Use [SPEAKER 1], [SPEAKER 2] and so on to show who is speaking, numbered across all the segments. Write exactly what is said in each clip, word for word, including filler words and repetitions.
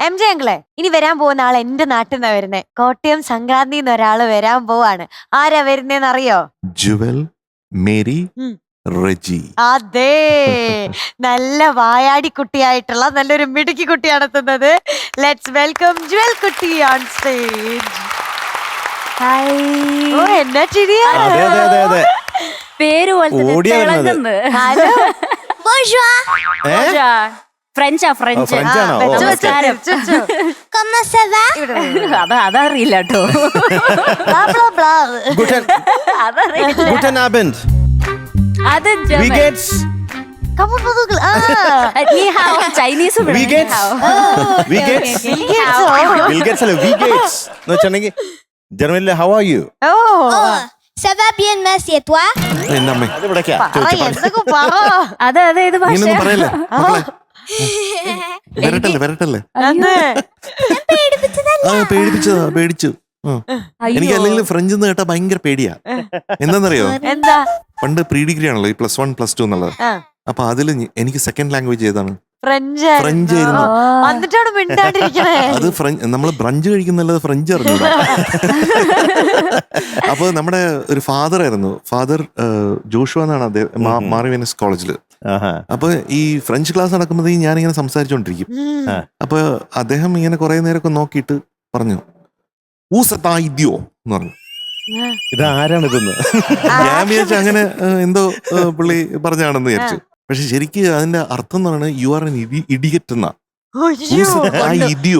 [SPEAKER 1] M J അങ്കിളെ, ഇനി വരാൻ പോകുന്ന ആൾ എന്റെ നാട്ടിൽ നിന്നാ വരുന്നേ. കോട്ടയം സംക്രാന്തി ഒരാള് വരാൻ പോവാണ്. ആരാ വരുന്നേന്ന് അറിയോ?
[SPEAKER 2] ജുവൽ മേരി റെജി.
[SPEAKER 1] അതെ, നല്ല വായാടി കുട്ടിയായിട്ടുള്ള നല്ലൊരു മിടുക്കി കുട്ടിയാണ് എത്തുന്നത്. ലെറ്റ്സ് വെൽക്കം ജുവൽ കുട്ടി ഓൺ സ്റ്റേജ്. ഓ, എന്നാ ചിരിയാ.
[SPEAKER 3] പേര്
[SPEAKER 1] ഹലോ.
[SPEAKER 3] ഫ്രഞ്ചാ ഫ്രഞ്ച് അതറിയില്ല കേട്ടോ. അത് ചൈനീസ്
[SPEAKER 2] ജർമ്മനിലെ how are you?
[SPEAKER 4] Ça va bien, merci, et toi?
[SPEAKER 3] അതെ അതെ ഇത്
[SPEAKER 2] വരട്ടല്ലേ വരട്ടല്ലേ പേടിപ്പിച്ചതാ പേടിച്ചു. എനിക്ക് അല്ലെങ്കിൽ ഫ്രഞ്ച് എന്ന് കേട്ടാ ഭയങ്കര പേടിയാ. എന്താന്നറിയോ,
[SPEAKER 1] എന്താ
[SPEAKER 2] പണ്ട് പ്രീ ഡിഗ്രി ആണല്ലോ ഈ പ്ലസ് വൺ പ്ലസ് ടു എന്നുള്ളത്. അപ്പൊ അതില് എനിക്ക് സെക്കൻഡ് ലാംഗ്വേജ് ഏതാണ്?
[SPEAKER 1] ഫ്രഞ്ച്.
[SPEAKER 2] ഫ്രഞ്ച് ആയിരുന്നു.
[SPEAKER 1] എന്നിട്ടാണ് മിണ്ടാണ്ടിരിക്കണേ.
[SPEAKER 2] അത് ഫ്രഞ്ച്, നമ്മള് ബ്രഞ്ച് കഴിക്കുന്നല്ലത് ഫ്രഞ്ച് അറിഞ്ഞു. അപ്പൊ നമ്മുടെ ഒരു ഫാദർ ആയിരുന്നു, ഫാദർ ജോഷുവ എന്നാണ് അദ്ദേഹം, മാറിവീനസ് കോളേജില്. അപ്പൊ ഈ ഫ്രഞ്ച് ക്ലാസ് നടക്കുമ്പോൾ ഞാനിങ്ങനെ സംസാരിച്ചോണ്ടിരിക്കും. അപ്പൊ അദ്ദേഹം ഇങ്ങനെ കുറെ നേരമൊക്കെ നോക്കിയിട്ട് പറഞ്ഞു ഊസത്തായിദ്യോ എന്ന് പറഞ്ഞു.
[SPEAKER 5] ഇതാരാണ് ഇതെന്ന്
[SPEAKER 2] ഞാൻ വിചാരിച്ചു അങ്ങനെ എന്തോ പുള്ളി പറഞ്ഞാണെന്ന് വിചാരിച്ചു. പക്ഷെ ശരിക്കും അതിന്റെ അർത്ഥം എന്ന് പറയുന്നത് യു ആർ എൻ ഇഡിയറ്റ് എന്നാ. ഇഡിയോ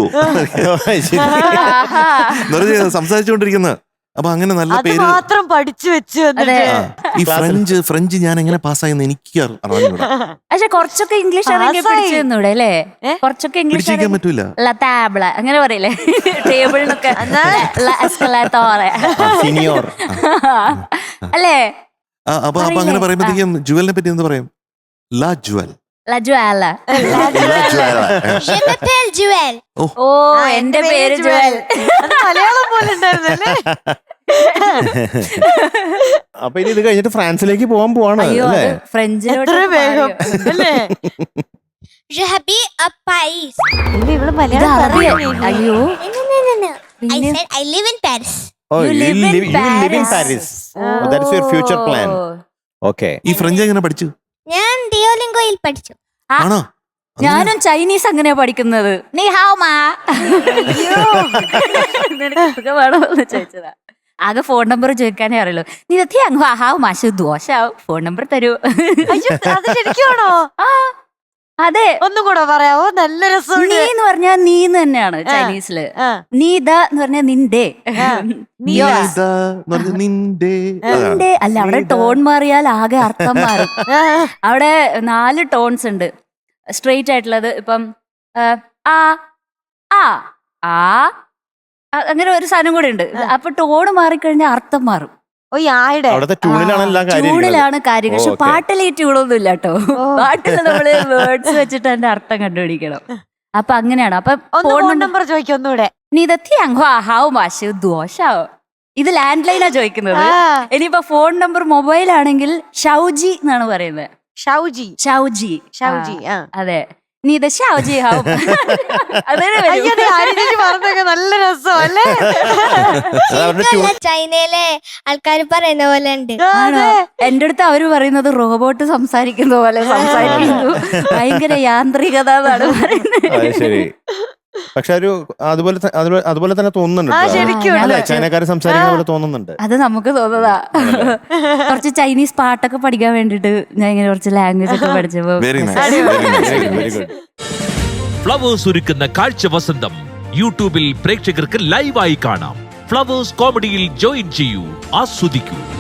[SPEAKER 2] സംസാരിച്ചുകൊണ്ടിരിക്കുന്ന. അപ്പൊ അങ്ങനെ നല്ല പേര്
[SPEAKER 1] മാത്രം പഠിച്ചു വെച്ചു.
[SPEAKER 2] ഈ ഫ്രഞ്ച് ഫ്രഞ്ച് ഞാൻ എങ്ങനെ പാസ്സായെന്ന് എനിക്ക് അറിഞ്ഞൂടാ.
[SPEAKER 3] പക്ഷെ കുറച്ചൊക്കെ ഇംഗ്ലീഷ് പിടിച്ചൂടെ അല്ലേ? കുറച്ചൊക്കെ ഇംഗ്ലീഷ്
[SPEAKER 2] പിടിക്കാൻ പറ്റൂല.
[SPEAKER 3] ടാബ്ല അങ്ങനെ പറയില്ലേ, ടേബിളിനൊക്കെ അല്ലേ?
[SPEAKER 2] അപ്പൊ അപ്പൊ അങ്ങനെ പറയുമ്പോഴത്തേക്കും ജുവലിനെ പറ്റി എന്ത് പറയും? ലാ ജുവൽ.
[SPEAKER 3] ഓ, എന്റെ പേര് ജുവൽ.
[SPEAKER 1] മലയാളം പോലെ ഉണ്ടായിരുന്നല്ലേ?
[SPEAKER 5] അപ്പൊ ഇനി ഇത് കഴിഞ്ഞിട്ട് ഫ്രാൻസിലേക്ക് പോകാൻ പോവാണ് അല്ലേ?
[SPEAKER 3] ഫ്രഞ്ചിലോട്ട്
[SPEAKER 1] വേഗം അല്ലേ?
[SPEAKER 4] ഇവിടെ
[SPEAKER 1] മലയാളം.
[SPEAKER 3] അയ്യോ,
[SPEAKER 4] I said I live in Paris.
[SPEAKER 5] Oh, you live in Paris. Oh, that is your future plan. Okay.
[SPEAKER 2] ഈ ഫ്രഞ്ച് എങ്ങനെ പഠിച്ചു?
[SPEAKER 4] ഞാൻ ഡിയോലിംഗോയിൽ പഠിച്ചു.
[SPEAKER 2] ആണോ?
[SPEAKER 3] ഞാനും ചൈനീസ് അങ്ങനെയാ പഠിക്കുന്നത്. നീ ഹാവ് മാ. നിനക്ക് ചോദിച്ചതാ. ആകെ ഫോൺ നമ്പർ ചോദിക്കാനേ അറിയുള്ളൂ. നീ ഹാവ് മാഷ് ദോശാവും, ഫോൺ നമ്പർ തരൂ.
[SPEAKER 1] ശരിക്കുവാണോ?
[SPEAKER 3] ആ അതെ.
[SPEAKER 1] ഒന്നും കൂടെ പറയാവോ? നല്ല രസം.
[SPEAKER 3] നീ എന്ന് പറഞ്ഞാൽ നീന്ന് തന്നെയാണ് ചൈനീസില്. നീ ദ എന്ന് പറഞ്ഞാൽ നിന്റെ. നിന്റെ അല്ല, അവിടെ ടോൺ മാറിയാൽ ആകെ അർത്ഥം മാറും. അവിടെ നാല് ടോൺസ് ഉണ്ട് സ്ട്രെയിറ്റ് ആയിട്ടുള്ളത്. ഇപ്പം ആ ആ ആ അങ്ങനെ ഒരു സാധനം കൂടെ ഉണ്ട്. അപ്പൊ ടോൺ മാറിക്കഴിഞ്ഞാൽ അർത്ഥം മാറും. ട്യൂണിലാണ് കാര്യം. പക്ഷെ പാട്ടിൽ ഈ ട്യൂണൊന്നും ഇല്ല കേട്ടോ. പാട്ടിൽ നമ്മള് വേർഡ്സ് വെച്ചിട്ട് അതിന്റെ അർത്ഥം കണ്ടുപിടിക്കണം. അപ്പൊ അങ്ങനെയാണ്. അപ്പൊ
[SPEAKER 1] ഫോൺ നമ്പർ ചോദിക്കൊന്നൂടെ.
[SPEAKER 3] ഇത് ലാൻഡ് ലൈനാ ചോദിക്കുന്നത്. ഇനിയിപ്പോ ഫോൺ നമ്പർ മൊബൈൽ ആണെങ്കിൽ ഷൗജി എന്നാണ് പറയുന്നത്.
[SPEAKER 1] ഷൗജി
[SPEAKER 3] ഷൗജി
[SPEAKER 1] ഷൗജി
[SPEAKER 3] അതെ. നീ ഇത് ഷൗജി ഹാവും.
[SPEAKER 1] നല്ല രസമല്ലേ?
[SPEAKER 4] ചൈനയിലെ ആൾക്കാർ പറയുന്ന പോലെ ഉണ്ട്.
[SPEAKER 3] എന്റെ അടുത്ത് അവര് പറയുന്നത് റോബോട്ട് സംസാരിക്കുന്ന പോലെ സംസാരിക്കുന്നു, ഭയങ്കര യാന്ത്രികത എന്നാണ് പറയുന്നത്.
[SPEAKER 5] പക്ഷെ ഒരു അതുപോലെ അതുപോലെ തന്നെ തോന്നുന്നുണ്ട്, ചൈനക്കാര് സംസാരിക്കുന്ന പോലെ തോന്നുന്നുണ്ട്.
[SPEAKER 3] അത് നമുക്ക് തോന്നുന്നതാ. കുറച്ച് ചൈനീസ് പാട്ടൊക്കെ പഠിക്കാൻ വേണ്ടിട്ട് ഞാൻ ഇങ്ങനെ കുറച്ച് ലാംഗ്വേജ് ഒക്കെ പഠിച്ചപ്പോ.
[SPEAKER 6] ഫ്ലവേഴ്സ് ഒരുക്കുന്ന കാഴ്ച വസന്തം യൂട്യൂബിൽ പ്രേക്ഷകർക്ക് ലൈവായി കാണാം. ഫ്ലവേഴ്സ് കോമഡിയിൽ ജോയിൻ ചെയ്യൂ, ആസ്വദിക്കൂ.